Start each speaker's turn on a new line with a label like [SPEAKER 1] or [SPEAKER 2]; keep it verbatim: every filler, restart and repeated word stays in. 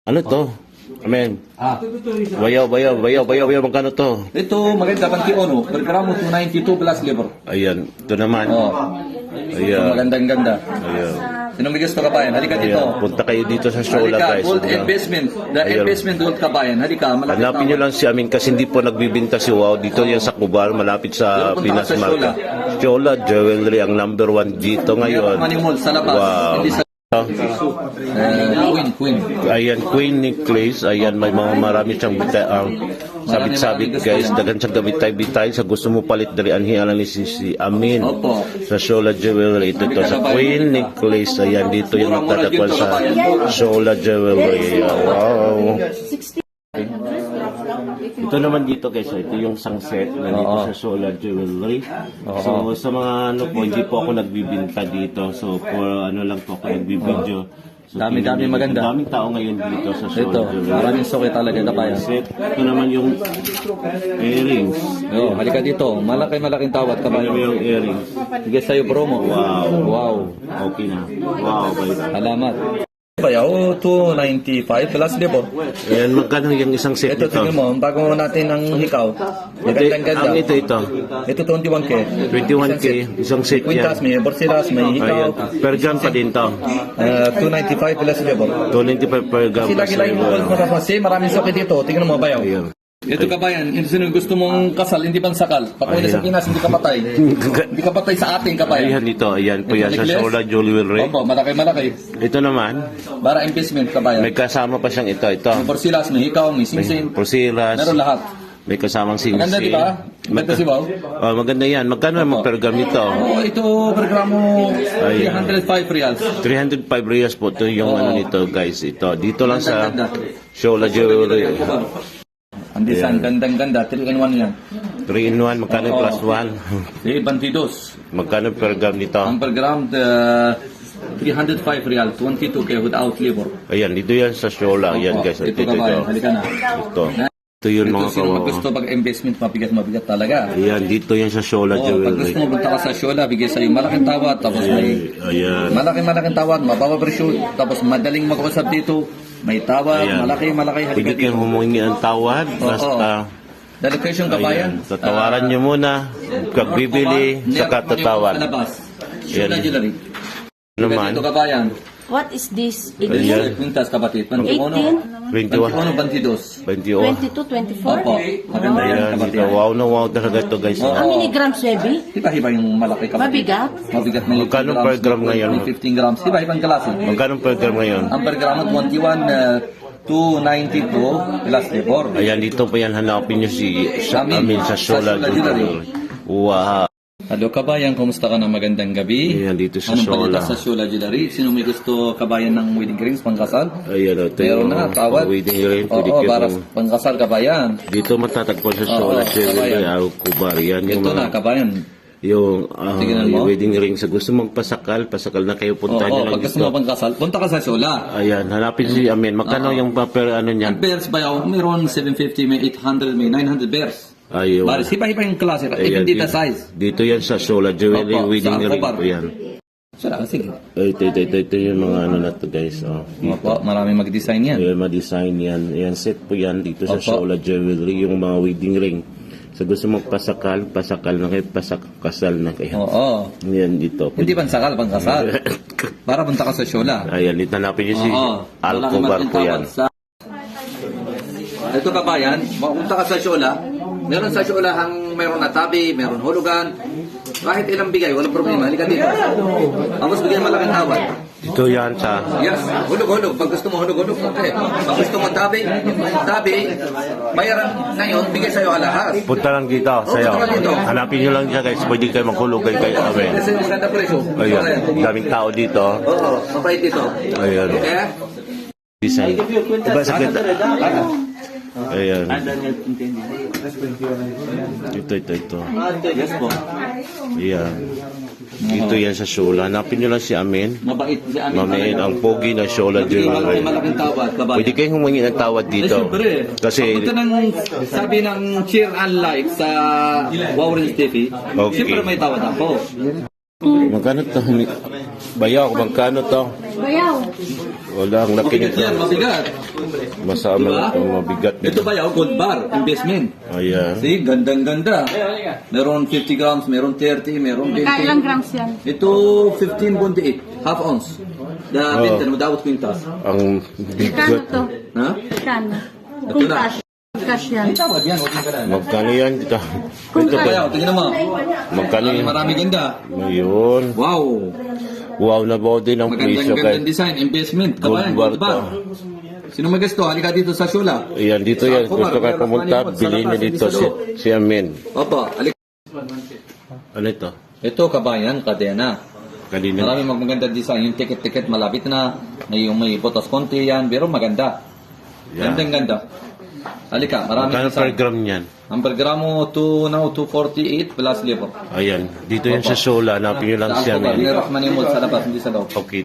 [SPEAKER 1] Ano to? Amen.
[SPEAKER 2] Ah,
[SPEAKER 1] Bayaw, bayaw, bayaw, bayaw, bayaw. Magkano to?
[SPEAKER 2] ito maganda panti ono, per gramo two ninety-two plus liver.
[SPEAKER 1] Ayan. Ito naman.
[SPEAKER 2] Oh.
[SPEAKER 1] Ayan.
[SPEAKER 2] Magandang ganda.
[SPEAKER 1] Ayan.
[SPEAKER 2] Sino may gusto kabayan? Halika dito.
[SPEAKER 1] Ayan. Punta kayo dito sa Shola,
[SPEAKER 2] Halika,
[SPEAKER 1] guys.
[SPEAKER 2] Gold
[SPEAKER 1] Ayan.
[SPEAKER 2] investment. The
[SPEAKER 1] Ayan.
[SPEAKER 2] investment gold kabayan. Halika, malapit
[SPEAKER 1] Hanapin nyo lang si Amin kasi hindi po nagbibinta si Wow. Dito yan sa Cubal, malapit sa
[SPEAKER 2] Punta
[SPEAKER 1] Pinas
[SPEAKER 2] ka sa
[SPEAKER 1] Market. Shola Jewelry ang number one dito ngayon.
[SPEAKER 2] Money Mall sa labas.
[SPEAKER 1] Wow.
[SPEAKER 2] Hindi sa uh, Queen, Queen.
[SPEAKER 1] Ayan, Queen Necklace. Ayan, may mga marami siyang bita, ang sabit-sabit, guys. Dagan siyang gabitay-bitay. Sa gusto mo palit dari anhi-alan ni si, si Amin.
[SPEAKER 2] Opo.
[SPEAKER 1] Sa Shola Jewelry. Ito to sa Queen Necklace. Ayan, dito yung magtatagpuan sa Shola Jewelry. Wow. Ito naman dito guys, ito yung sunset na dito
[SPEAKER 2] Oo.
[SPEAKER 1] sa Shola Jewelry.
[SPEAKER 2] Oo.
[SPEAKER 1] So sa mga ano po, hindi po ako nagbibinta dito. So for ano lang po ako nagbibideo. So,
[SPEAKER 2] Dami-dami
[SPEAKER 1] tingnan nyo,
[SPEAKER 2] maganda.
[SPEAKER 1] Daming tao ngayon dito sa Shola
[SPEAKER 2] Ito,
[SPEAKER 1] Jewelry.
[SPEAKER 2] maraming suki talaga kabayan.
[SPEAKER 1] Set. Ito naman yung earrings.
[SPEAKER 2] Oh, halika dito. Malaki-malaking tawad
[SPEAKER 1] Ito
[SPEAKER 2] kabayan.
[SPEAKER 1] yung earrings.
[SPEAKER 2] Sige sa'yo promo.
[SPEAKER 1] Wow.
[SPEAKER 2] Wow.
[SPEAKER 1] Okay na. Wow. Bye.
[SPEAKER 2] Salamat. Bayaw, two ninety-five plus libo.
[SPEAKER 1] Ayan, magkano yung isang set
[SPEAKER 2] Ito,
[SPEAKER 1] nito?
[SPEAKER 2] tingnan mo, bago natin ang hikaw. Magandang
[SPEAKER 1] Ito,
[SPEAKER 2] ganda.
[SPEAKER 1] ang ito, ito.
[SPEAKER 2] Ito twenty-one K.
[SPEAKER 1] twenty-one K. Isang set
[SPEAKER 2] Quintas,
[SPEAKER 1] yan.
[SPEAKER 2] may borsilas, may hikaw.
[SPEAKER 1] Ayan. Per gram pa din to.
[SPEAKER 2] Uh, two ninety-five plus libo.
[SPEAKER 1] two ninety-five per gram.
[SPEAKER 2] Kasi lagi-lagi mo kasi maraming sakit dito. Tingnan mo, bayaw.
[SPEAKER 1] Ayan.
[SPEAKER 2] Ito kabayan, hindi sino gusto mong kasal, hindi pang sakal. Pag uwi sa
[SPEAKER 1] Ayan.
[SPEAKER 2] Pinas, hindi ka patay. Hindi ka patay sa ating kabayan.
[SPEAKER 1] Ayan dito, ayan po yan sa
[SPEAKER 2] Necklace?
[SPEAKER 1] Shola Jewelry.
[SPEAKER 2] Opo, malaki-malaki.
[SPEAKER 1] Ito naman,
[SPEAKER 2] Para investment kabayan.
[SPEAKER 1] may kasama pa siyang ito, ito.
[SPEAKER 2] May borsilas, may hikaw, may
[SPEAKER 1] May
[SPEAKER 2] simsim.
[SPEAKER 1] porsilas,
[SPEAKER 2] Meron lahat.
[SPEAKER 1] may kasamang singsing.
[SPEAKER 2] Maganda, di ba? Maganda si Bao.
[SPEAKER 1] Oh, maganda yan. Magkano naman per gram nito?
[SPEAKER 2] Oh, ito per gramo three hundred five reals.
[SPEAKER 1] three hundred five riyals po ito yung
[SPEAKER 2] Oo.
[SPEAKER 1] ano nito guys. Ito, dito lang sa
[SPEAKER 2] Ganda.
[SPEAKER 1] Shola Jewelry.
[SPEAKER 2] Ang design, gandang-ganda. three in one yan.
[SPEAKER 1] three in one, magkano
[SPEAKER 2] Oo.
[SPEAKER 1] plus one?
[SPEAKER 2] Eh, bantidos.
[SPEAKER 1] Magkano per gram nito?
[SPEAKER 2] Ang per gram, uh, three hundred five real, twenty-two K without labor.
[SPEAKER 1] Ayan, dito yan sa Shola. Ayan
[SPEAKER 2] Oo,
[SPEAKER 1] guys, ito,
[SPEAKER 2] ito
[SPEAKER 1] ito, ito.
[SPEAKER 2] kabayan, halika na.
[SPEAKER 1] Ito. Ito yun
[SPEAKER 2] Ito
[SPEAKER 1] mga
[SPEAKER 2] sino
[SPEAKER 1] kawawa.
[SPEAKER 2] mag gusto pag investment, mabigat-mabigat talaga.
[SPEAKER 1] Ayan, dito yan sa Shola
[SPEAKER 2] Oh, pag
[SPEAKER 1] Jewelry.
[SPEAKER 2] gusto mo punta ka sa Shola, bigay sa'yo malaking tawad, tapos may
[SPEAKER 1] Ayan.
[SPEAKER 2] malaking-malaking tawad, mababa presyo, tapos madaling mag-usap dito, may tawad,
[SPEAKER 1] Ayan.
[SPEAKER 2] malaki-malaki, halika
[SPEAKER 1] Pwede kayong
[SPEAKER 2] dito.
[SPEAKER 1] humingi ang tawad.
[SPEAKER 2] Oo.
[SPEAKER 1] Basta,
[SPEAKER 2] The location kabayan,
[SPEAKER 1] ayan, tatawaran nyo muna. Pag bibili, saka
[SPEAKER 2] Sa
[SPEAKER 1] tatawad.
[SPEAKER 2] labas. Shola
[SPEAKER 1] Ayan.
[SPEAKER 2] Jewelry.
[SPEAKER 1] Naman,
[SPEAKER 2] Dito kabayan.
[SPEAKER 3] What is this?
[SPEAKER 1] Ayan.
[SPEAKER 2] Quintas kapatid.
[SPEAKER 3] eighteen,
[SPEAKER 1] twenty-one,
[SPEAKER 2] Bantiuno, bantidos.
[SPEAKER 1] twenty-one.
[SPEAKER 3] twenty-two, twenty-four?
[SPEAKER 2] Opo. Maganda yan
[SPEAKER 1] Ayan,
[SPEAKER 2] kapatid.
[SPEAKER 1] dito. Wow na wow talaga ito guys.
[SPEAKER 2] Oo.
[SPEAKER 3] How many grams, baby?
[SPEAKER 2] Iba-iba yung malaki kapatid.
[SPEAKER 3] Mabigat?
[SPEAKER 2] Mabigat may
[SPEAKER 1] Magkano
[SPEAKER 2] eighteen
[SPEAKER 1] per gram
[SPEAKER 2] may
[SPEAKER 1] ngayon?
[SPEAKER 2] fifteen grams. Iba-ibang klase.
[SPEAKER 1] Magkano per gram ngayon?
[SPEAKER 2] Ang per gram twenty-one, uh, two ninety-two plus labor.
[SPEAKER 1] Ayan, dito pa yan hanapin nyo si sa
[SPEAKER 2] Amin.
[SPEAKER 1] amin sa Shola
[SPEAKER 2] Sa Shola Jewelry.
[SPEAKER 1] Jewelry. Wow.
[SPEAKER 2] Hello kabayan, kumusta ka na magandang gabi?
[SPEAKER 1] Ayan, dito sa
[SPEAKER 2] Anong
[SPEAKER 1] Shola.
[SPEAKER 2] balita sa Shola Jewelry? Sino may gusto kabayan ng wedding rings pangkasal?
[SPEAKER 1] Ayan, ito
[SPEAKER 2] Meron
[SPEAKER 1] yung
[SPEAKER 2] na, tawad.
[SPEAKER 1] wedding ring. Pwede
[SPEAKER 2] Oo,
[SPEAKER 1] kayo-
[SPEAKER 2] para pangkasal kabayan.
[SPEAKER 1] Dito matatagpuan sa Shola
[SPEAKER 2] Oo,
[SPEAKER 1] Jewelry.
[SPEAKER 2] kabayan.
[SPEAKER 1] Araw Kubar. Yan yung
[SPEAKER 2] Ito
[SPEAKER 1] mga
[SPEAKER 2] na kabayan.
[SPEAKER 1] yung ah,
[SPEAKER 2] Tingnan mo.
[SPEAKER 1] yung wedding ring. Sa gusto mong pasakal, pasakal na kayo. Punta
[SPEAKER 2] Oo,
[SPEAKER 1] nyo lang
[SPEAKER 2] pag gusto mo
[SPEAKER 1] dito.
[SPEAKER 2] pangkasal, punta ka sa Shola.
[SPEAKER 1] Ayan, hanapin si Amin. Magkano yung paper ano
[SPEAKER 2] Ang
[SPEAKER 1] niyan?
[SPEAKER 2] bears ba yun? Mayroon seven fifty, may eight hundred, may nine hundred bears.
[SPEAKER 1] Ayun.
[SPEAKER 2] Baris, iba-iba yung klase.
[SPEAKER 1] Ayan,
[SPEAKER 2] Even dito
[SPEAKER 1] dito,
[SPEAKER 2] size.
[SPEAKER 1] dito yan sa Shola Jewelry
[SPEAKER 2] Opo,
[SPEAKER 1] wedding
[SPEAKER 2] sa
[SPEAKER 1] ring
[SPEAKER 2] Alcobar.
[SPEAKER 1] po yan.
[SPEAKER 2] Sala, sige.
[SPEAKER 1] Ay, Ito, ito, ito, ito yung mga ano na to guys. Oh.
[SPEAKER 2] Opo, marami mag-design yan.
[SPEAKER 1] Ayan, ma-design yan. Ayan, set po yan dito sa
[SPEAKER 2] Opo.
[SPEAKER 1] Shola Jewelry, yung mga wedding ring. Sa gusto mong pasakal, pasakal na kayo, pasak, kasal na kayo.
[SPEAKER 2] Oo.
[SPEAKER 1] Yan dito.
[SPEAKER 2] Hindi pansakal, pangkasal. Para punta ka sa Shola.
[SPEAKER 1] Ayan, dito hanapin nyo si
[SPEAKER 2] Oo.
[SPEAKER 1] Alcobar po yan.
[SPEAKER 2] Sa... Ito kabayan, mapunta ka sa Shola. Meron sa Shola ang meron na tabi, meron hulugan. Kahit ilang bigay, walang problema. Halika dito. Tapos bigyan malaking tawad.
[SPEAKER 1] Dito yan sa...
[SPEAKER 2] Yes, hulog-hulog. Pag gusto mo hulog-hulog, okay. Pag gusto mo tabi, tabi, bayaran ngayon, bigay sa'yo ang lahat.
[SPEAKER 1] Punta lang dito, sa'yo.
[SPEAKER 2] punta lang dito.
[SPEAKER 1] Hanapin nyo lang dyan guys. Pwede kayo maghulog kayo kay Amin.
[SPEAKER 2] Kasi yung ganda presyo.
[SPEAKER 1] Ayan, daming tao dito.
[SPEAKER 2] Oo, mabait dito.
[SPEAKER 1] Ayan.
[SPEAKER 2] Okay?
[SPEAKER 1] Design. Diba sa kita? Ayan. Ito, ito, ito.
[SPEAKER 2] Yes po.
[SPEAKER 1] Ayan. Dito yan sa Shola. Hanapin nyo lang si Amin.
[SPEAKER 2] Mabait si Amin.
[SPEAKER 1] Mamin ang pogi na Shola
[SPEAKER 2] Bigay
[SPEAKER 1] Jewelry.
[SPEAKER 2] malaki, malaking tawad, babae.
[SPEAKER 1] Pwede kayong humingi ng tawad
[SPEAKER 2] Eh,
[SPEAKER 1] dito.
[SPEAKER 2] syempre.
[SPEAKER 1] Kasi,
[SPEAKER 2] Pagpunta ng sabi ng cheer and like sa Warren T V,
[SPEAKER 1] Okay.
[SPEAKER 2] syempre may tawad ako.
[SPEAKER 1] magkano to? Bayaw, magkano to?
[SPEAKER 3] Bayaw.
[SPEAKER 1] Wala, ang laki
[SPEAKER 2] Mabigat
[SPEAKER 1] nito.
[SPEAKER 2] yan, mabigat.
[SPEAKER 1] Masama
[SPEAKER 2] Diba?
[SPEAKER 1] na itong mabigat
[SPEAKER 2] Ito
[SPEAKER 1] nito.
[SPEAKER 2] ba yaw? Gold bar, investment.
[SPEAKER 1] Ayan.
[SPEAKER 2] See, gandang-ganda. Meron fifty grams, meron thirty, meron twenty.
[SPEAKER 3] Kailang grams yan?
[SPEAKER 2] Ito, fifteen point eight, half ounce. The
[SPEAKER 1] Oh.
[SPEAKER 2] Benton, without quintas.
[SPEAKER 1] Ang
[SPEAKER 3] Kano
[SPEAKER 1] bigat.
[SPEAKER 3] to?
[SPEAKER 2] Ha?
[SPEAKER 3] Kano?
[SPEAKER 2] Ito
[SPEAKER 3] Kung
[SPEAKER 2] na.
[SPEAKER 3] cash. Cash yan.
[SPEAKER 2] Tawad yan, huwag ka na.
[SPEAKER 1] Magkano yan? Ito.
[SPEAKER 3] Kung
[SPEAKER 2] Ito ba yaw?
[SPEAKER 3] cash.
[SPEAKER 2] Tingnan mo.
[SPEAKER 1] Magkano
[SPEAKER 2] Marami,
[SPEAKER 1] yan?
[SPEAKER 2] marami ganda.
[SPEAKER 1] Ngayon.
[SPEAKER 2] Wow.
[SPEAKER 1] Wow na body ng presyo
[SPEAKER 2] Magandang
[SPEAKER 1] guys.
[SPEAKER 2] gandang design, investment. Kabayan,
[SPEAKER 1] Gold
[SPEAKER 2] gold
[SPEAKER 1] bar
[SPEAKER 2] bar. Sino may gusto? Halika dito sa Shula.
[SPEAKER 1] Ayan, dito yan. Gusto ka pumunta, bilhin niyo dito si, si Amin.
[SPEAKER 2] Opo, halika.
[SPEAKER 1] Ano ito?
[SPEAKER 2] Ito, kabayan, kadena.
[SPEAKER 1] Kanina.
[SPEAKER 2] Marami magaganda design. Yung ticket-ticket malapit na. May yung may botos konti yan. Pero maganda.
[SPEAKER 1] Yeah.
[SPEAKER 2] Gandang ganda. Halika, marami
[SPEAKER 1] Magkano per gram niyan?
[SPEAKER 2] Ang per gramo, two, now, two forty-eight plus labor.
[SPEAKER 1] Ayan. Dito yan sa Sola. Hanapin niyo lang si
[SPEAKER 2] Saan ko ba?
[SPEAKER 1] Amin.
[SPEAKER 2] Binirok man yung mold sa labas, hindi sa loob.
[SPEAKER 1] Okay.